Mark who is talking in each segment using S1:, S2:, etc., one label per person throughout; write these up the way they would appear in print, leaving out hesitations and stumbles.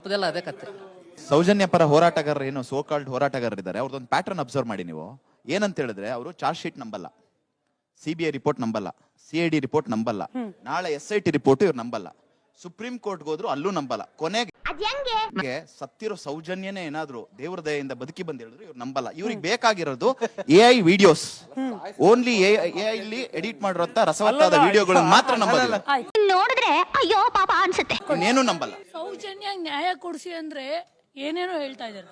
S1: ಅದೆಲ್ಲ ಅದೇ ಕತೆ.
S2: ಸೌಜನ್ಯ ಪರ ಹೋರಾಟಗಾರರು ಏನು ಸೋ ಕಾಲ್ಡ್ ಹೋರಾಟಗಾರರು ಇದ್ದಾರೆ, ಅವ್ರದ್ದೊಂದು ಪ್ಯಾಟರ್ನ್ ಅಬ್ಸರ್ವ್ ಮಾಡಿ ನೀವು. ಏನಂತ ಹೇಳಿದ್ರೆ ಅವರು ಚಾರ್ಜ್ ಶೀಟ್ ನಂಬಲ್ಲ, ಸಿಬಿಐ ರಿಪೋರ್ಟ್ ನಂಬಲ್ಲ, ಸಿಐಡಿ ರಿಪೋರ್ಟ್ ನಂಬಲ್ಲ, ನಾಳೆ SIT ರಿಪೋರ್ಟ್ ಇವ್ರು ನಂಬಲ್ಲ, ಸುಪ್ರೀಂ ಕೋರ್ಟ್ಗೆ ಹೋದ್ರು ಅಲ್ಲೂ ನಂಬಲ್ಲ. ಕೊನೆಗೆ ಸತ್ತಿರೋ ಸೌಜನ್ಯನೇ ಏನಾದ್ರು ದೇವ್ರ ದಯೆಯಿಂದ ಬದುಕಿ ಬಂದ್ ಹೇಳಿದ್ರು ಇವ್ರು ನಂಬಲ್ಲ. ಇವ್ರಿಗೆ ಬೇಕಾಗಿರೋದು AI ವಿಡಿಯೋಸ್, ಓನ್ಲಿ AI ಇಲ್ಲಿ ಎಡಿಟ್ ಮಾಡಿರೋಂತ ರಸವತ್ತಾದ ವಿಡಿಯೋಗಳನ್ನ ಮಾತ್ರ ನಂಬಲ್ಲ.
S3: ನೋಡಿದ್ರೆ ಅಯ್ಯೋ ಪಾಪ ಅನ್ಸುತ್ತೆ.
S2: ಇನ್ನೇನು ನಂಬಲ್ಲ.
S4: ಸೌಜನ್ಯ ನ್ಯಾಯ ಕೊಡ್ಸಿ ಅಂದ್ರೆ ಏನೇನೋ ಹೇಳ್ತಾ ಇದ್ದಾರೆ.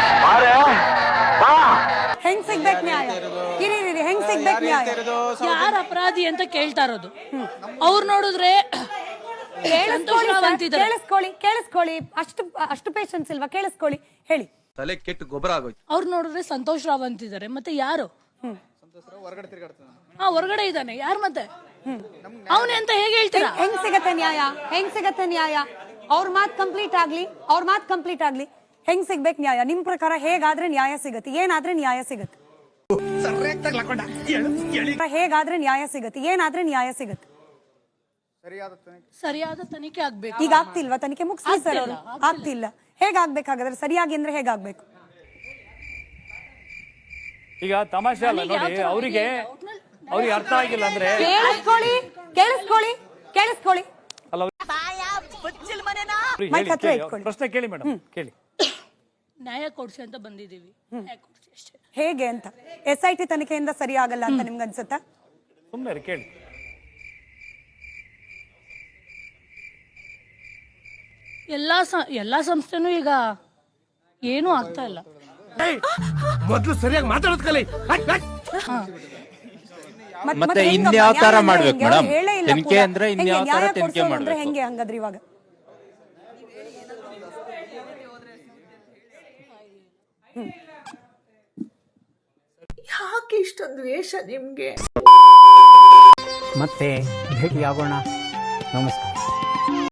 S5: ಹೆಂಗ್ ಸಿಗ್ಬೇಕು ನ್ಯಾಯ? ಕಿರಿರಿ ಹೆಂಗ್ ಸಿಗ್ಬೇಕು ನ್ಯಾಯ?
S4: ಯಾರ ಅಪರಾಧಿ ಅಂತ ಕೇಳ್ತಾ ಇರೋದು. ಅವ್ರು ನೋಡಿದ್ರೆ
S5: ಕೇಳಿಸ್ಕೊಳ್ಳಿ. ಅಷ್ಟು ಪೇಷನ್ಸ್ ಇಲ್ವಾ? ಕೇಳಿಸ್ಕೊಳ್ಳಿ, ಹೇಳಿ.
S1: ತಲೆ ಕೆಟ್ಟು ಗೊಬ್ಬರ ಆಗೋಯ್ತು.
S4: ಅವ್ರು ನೋಡಿದ್ರೆ ಸಂತೋಷ್ ರಾವ್ ಅಂತಿದ್ದಾರೆ. ಮತ್ತೆ ಯಾರು? ಹೊರಗಡೆ ಇದ್ದಾನೆ. ಯಾರು ಮತ್ತೆ ಅವನೇ ಅಂತ ಹೇಗೆ ಹೇಳ್ತೀರಾ?
S5: ಹೆಂಗ್ ಸಿಗತ್ತೆ ನ್ಯಾಯ? ಅವ್ರ ಮಾತ್ ಕಂಪ್ಲೀಟ್ ಆಗ್ಲಿ. ಹೆಂಗ್ ಸಿಗ್ಬೇಕು ನ್ಯಾಯ? ನಿಮ್ ಪ್ರಕಾರ ಹೇಗಾದ್ರೆ ನ್ಯಾಯ ಸಿಗತ್ತೆ? ಏನಾದ್ರೆ ನ್ಯಾಯ ಸಿಗತ್ತೆ?
S4: ಸರಿಯಾದ ತನಿಖೆ ಆಗ್ಬೇಕು.
S5: ಈಗ ಆಗ್ತಿಲ್ವಾ? ತನಿಖೆ ಮುಗಿಸ್ಲಿ ಸರ್ ಅವರು. ಆಗ್ತಿಲ್ಲ. ಹೇಗಾಗ್ಬೇಕಾಗಾದ್ರೆ ಸರಿಯಾಗಿ ಅಂದ್ರೆ ಹೇಗಾಗ್ಬೇಕು?
S6: ಈಗ ತಮಾಷೆ ಅಲ್ಲ ನೋಡಿ, ಅವ್ರಿಗೆ ಅರ್ಥ ಆಗಿಲ್ಲ ಅಂದ್ರೆ
S5: ಕೇಳಿಸ್ಕೊಳ್ಳಿ.
S6: ಅಲ್ಲ, ಪ್ರಶ್ನೆ ಕೇಳಿ ಮೇಡಮ್, ಕೇಳಿ.
S4: ನ್ಯಾಯ ಕೊಡ್ಸಿ ಅಂತ ಬಂದಿದ್ದೀವಿ.
S5: ಹೇಗೆ ಅಂತ? SIT ತನಿಖೆಯಿಂದ ಸರಿ ಆಗಲ್ಲ ಅಂತ ನಿಮ್ಗೆ ಅನ್ಸುತ್ತಾ?
S6: ಸುಮ್ಮನೆ ಕೇಳಿ.
S4: ಎಲ್ಲಾ ಸಂಸ್ಥೆನೂ ಈಗ ಏನೂ ಆಗ್ತಾ ಇಲ್ಲ.
S1: ಮೊದಲು ಸರಿಯಾಗಿ ಮಾತಾಡೋದ್ ಕಲಿ.
S7: ಮತ್ತೆ ಇನ್ಯಾವ ತರ ಮಾಡ್ಬೇಕು ಮೇಡಮ್? ತನಿಖೆ ಅಂದ್ರೆ ಇನ್ಯಾವ ತರ ತನಿಖೆ ಮಾಡ್ಬೇಕು?
S5: ಹೆಂಗೆ ಹಂಗಾದ್ರೆ ಇವಾಗ?
S8: ಯಾಕೆ ಇಷ್ಟೊಂದು ವೇಷ ನಿಮ್ಗೆ?
S9: ಮತ್ತೆ ಭೇಟಿಯಾಗೋಣ. ನಮಸ್ಕಾರ.